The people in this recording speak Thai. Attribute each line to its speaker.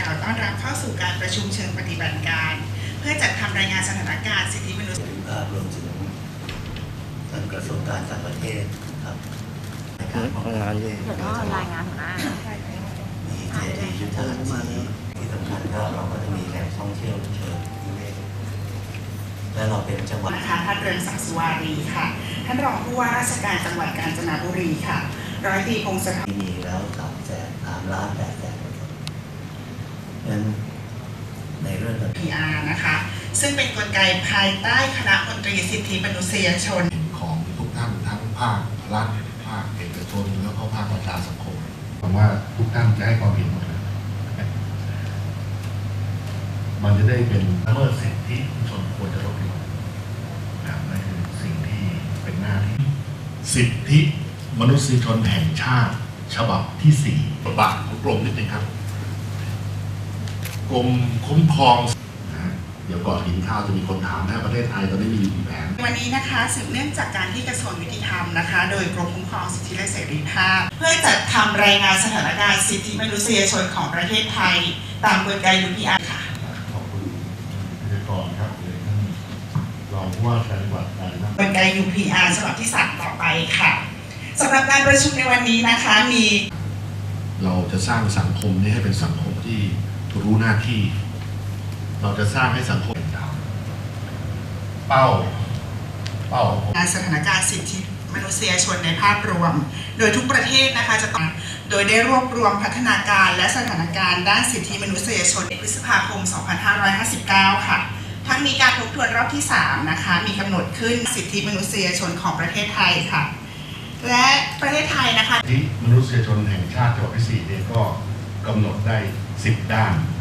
Speaker 1: ล่าวต้อนรับเข้าสู่การประชุมเชิงปฏิบัติการเพื่อจัดทำรายงานสถานการณ์สิทธิมนุษยชน
Speaker 2: รวมถึงทางกระทรวงการต่างประเทศครับในการทำงานเดี๋ยวก็รายงานหัวหน้ามีเจดีย์ยุทธหัตถีที่สำคัญก็เราก็จะมีแหล่งท่องเที่ยวเชิงนิเวศและเราเป็นจังหวัด
Speaker 1: นะคะท่านเรืองศักดิ์สุวารีค่ะท่านรองผู้ว่าราชการจังหวัดกาญจนบุรีค่ะร้อยตรีพงศธร
Speaker 2: มีแล้ว3 ล้าน 8 แสนนั้นในเรื่อง
Speaker 1: PR นะคะซึ่งเป็นกลไกภายใต้คณะมนตรีสิทธิมนุษยชน
Speaker 3: ของทุกท่านทั้งภาครัฐภาคเอกชนแล้วก็ภาคประชาสังคมหวังว่าทุกท่านจะให้ความเห็นหมดเลยมันจะได้เป็น
Speaker 4: ละเมิดสิทธิมนุษยชนควรจะลดลงนั่นคือสิ่งที่เป็นหน้าที่สิทธิมนุษยชนแห่งชาติฉบับที่4บทบาทของกรมนิดนึงครับกรมคุ้มครองเดี๋ยวก่อนกินข้าวจะมีคนถามนะประเทศไทยตอนนี้มีอยู่กี่แผน
Speaker 1: วันนี้นะคะสืบเนื่องจากการที่กระทรวงยุติธรรมนะคะโดยกรมคุ้มครองสิทธิและเสรีภาพเพื่อจัดทำรายงานสถานการณ์สิทธิมนุษยชนของประเทศไทยตามกลไก UPR ค่ะ
Speaker 4: ขอบคุณพิธีกรครับเลยท่านรองผู้ว่าการจังหวัดกาญจนบุรี
Speaker 1: กลไก UPR ฉบับที่3ต่อไปค่ะสำหรับการประชุมในวันนี้นะคะ
Speaker 3: เราจะสร้างสังคมนี้ให้เป็นสังคมที่รู้หน้าที่เราจะสร้างให้สังคมเป้า
Speaker 1: สถานการณ์สิทธิมนุษยชนในภาพรวมโดยทุกประเทศนะคะจะต้องโดยได้รวบรวมพัฒนาการและสถานการณ์ด้านสิทธิมนุษยชนในพฤษภาคม 2559 ค่ะทั้งมีการทบทวนรอบที่3นะคะมีกำหนดขึ้นสิทธิมนุษยชนของประเทศไทยค่ะและประเทศไทยนะคะ
Speaker 4: สิทธิมนุษยชนแห่งชาติฉบับที่4เนี่ยก็กำหนดได้10 ด้าน